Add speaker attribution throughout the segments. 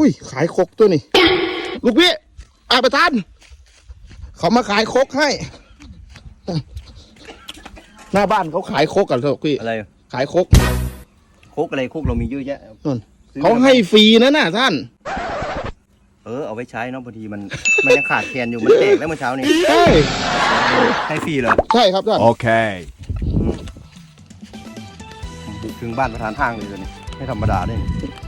Speaker 1: อุ้ยขายครกตัวนี่ลูกพี่ประธานเขามาขายครกให้หน้าบ้านเขาขายครกกันเถอะพี่
Speaker 2: อะไร
Speaker 1: ขายครก
Speaker 2: อะไรครกเรามีเยอะแยะ
Speaker 1: เขาให้ฟรีนะน่ะท่าน
Speaker 2: เอาไว้ใช้เนาะบางทีมันยังขาดแคลนอยู่มันแตกแล้วเมื่อเช้านี้
Speaker 1: ใช่
Speaker 2: ให้ฟรีเหรอ
Speaker 1: ใช่ครับท่าน
Speaker 3: โอเค
Speaker 2: บุกถึงบ้านประธานห้างเลยตัวนี้ไม่ธรรมดาด้วย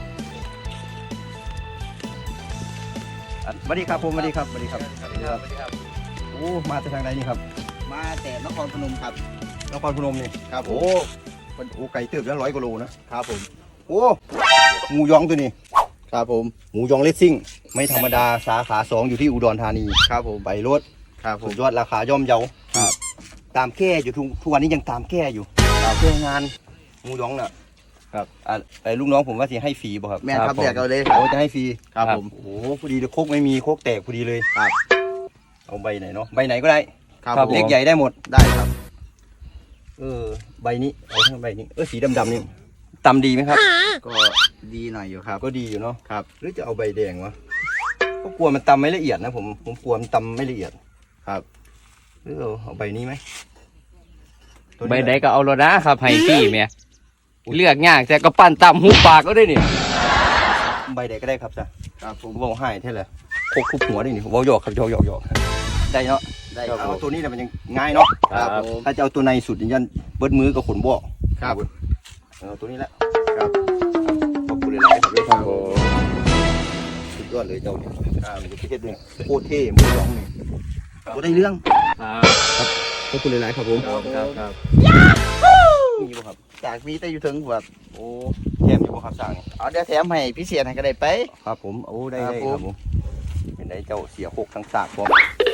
Speaker 2: สวัสดีครับผมสวัสดีครับโอ้มาจากทางไหนนี่ครับ
Speaker 4: มาแต่นครพนมครับ
Speaker 2: นครพนมนี่
Speaker 4: ครับ
Speaker 2: โอ้ไก่เติบแล้ว100 กว่าโลนะครับ
Speaker 4: ผม
Speaker 2: โอ้หมูยองตัวนี้
Speaker 4: ครับผม
Speaker 2: หมูยองเลสซิ่งไม่ธรรมดาสาขา2อยู่ที่อุดรธานี
Speaker 4: ครับผม
Speaker 2: ไปรถ
Speaker 4: ครับผม
Speaker 2: ยอดราคาย่อมเยา
Speaker 4: ครับ
Speaker 2: ตามแก้อยู่ทุกวันนี้ยังตามแก้อยู่แก้งานหมูยองน่ะครับไอ้ลูกน้องผมว่าสิให้ฟรีป่ะครับ
Speaker 4: แม่ครับแจกเอาเลย
Speaker 2: โอ้จะให้ฟรี
Speaker 4: ครับผม
Speaker 2: โอ้พอดีเลยโคกไม่มีโคกแตกพอดีเลย
Speaker 4: ครับ
Speaker 2: เอาใบไหนเนาะใบไหนก็ได้
Speaker 4: ครับ
Speaker 2: เล็กใหญ่ได้หมด
Speaker 4: ได้ครับ
Speaker 2: ใบนี้เอาทั้งใบนี้สีดำนี่ตำดีไหมครับ
Speaker 4: ก็ดีหน่อยอยู่ครับ
Speaker 2: ก็ดีอยู่เนาะ
Speaker 4: ครับ
Speaker 2: หรือจะเอาใบแดงวะก็กลัวมันตำไม่ละเอียดนะผมกลัวมันตำไม่ละเอียด
Speaker 4: ครับ
Speaker 2: หรือเอาใบนี้ไหม
Speaker 5: ใบใดก็เอาแล้วนะครับให้พี่แม่เลือกยากแต่ก็ปั่นตำหูปากก็ได้นี่
Speaker 2: ใบใดก็ได้ครับจ้ะ
Speaker 4: ครับผม
Speaker 2: บอกให้เท่าไหร่โคกทุบหัวได้นี่บอกหยอกครับหยอกได้เนาะ
Speaker 4: ได้ครับ
Speaker 2: เอาตัวนี้แต่มันยังง่ายเนาะ
Speaker 4: ครับผม
Speaker 2: ถ้าจะเอาตัวในสุดยันเบิดมือกับขนบ่
Speaker 4: ครับ
Speaker 2: เอาตัวนี้แหละ
Speaker 4: ครับ
Speaker 2: ขอบคุณหลายๆครับเลยครับสุดยอดเลยเจ้าเนี่ยมันจะเทศเนี่ยโคตรเท่หมูยองนี่ก็ได้เรื่องครับขอบคุณหลายๆครับผม
Speaker 4: ครับ
Speaker 2: มีบ่ครับ
Speaker 4: จากมีแต่อยู่ถึงแบบ
Speaker 2: โอ้แถมอยู่บ่ครับสั่ง
Speaker 4: เอาเดี๋ยวแถมให้พิเศษให้ก็ได้ไป
Speaker 2: ครับผมโอ้ได้ครับผมเป็นได้เจ้าเสียโคกทั้งสากบ่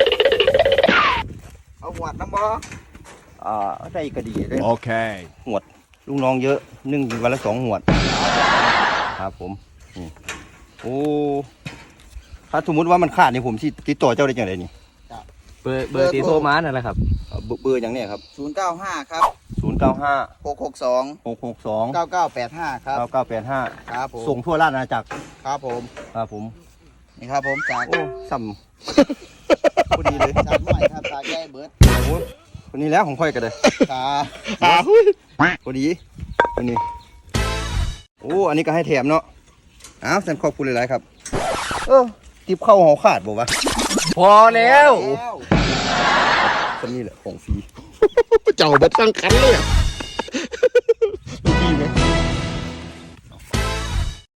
Speaker 4: เอาหวดน้ำบ่
Speaker 2: ได้ก็ดีเลย
Speaker 3: โอเค
Speaker 2: หวดลูกน้องเยอะนึ่งวันละ2 หวดครับผมโอ้ถ้าสมมติว่ามันขาดนี่ผมที่ติดต่อเจ้าได้จังไดนี่
Speaker 5: เบอร์ตีโทรมานั่นแหละครับ
Speaker 2: เบอร์อย่างเนี้ยครับ
Speaker 4: 095ครับ
Speaker 2: 095
Speaker 4: 662
Speaker 2: 662
Speaker 4: 9985ครับ
Speaker 2: 9985
Speaker 4: ครับผม
Speaker 2: ส่งทั่วราชอาณาจักร
Speaker 4: ครับผมนี่ครับผมจาก
Speaker 2: โอ้ซ้ำพอดีเลย
Speaker 4: จากหน่อยครับจากแก้เบิร์ด
Speaker 2: โอ้คนนี้แล้วของค่อยกันเลย
Speaker 4: ครับ
Speaker 2: พอดีคนนี้โอ้อันนี้ก็ให้แถมเนาะฉันขอบคุณหลายๆครับติบเข้าหอขาดบอกว่า
Speaker 5: พอแล้ว
Speaker 2: คนนี้แหละของฟรี
Speaker 1: เจ้าเบ็ดตั้งคันเลยดีไหม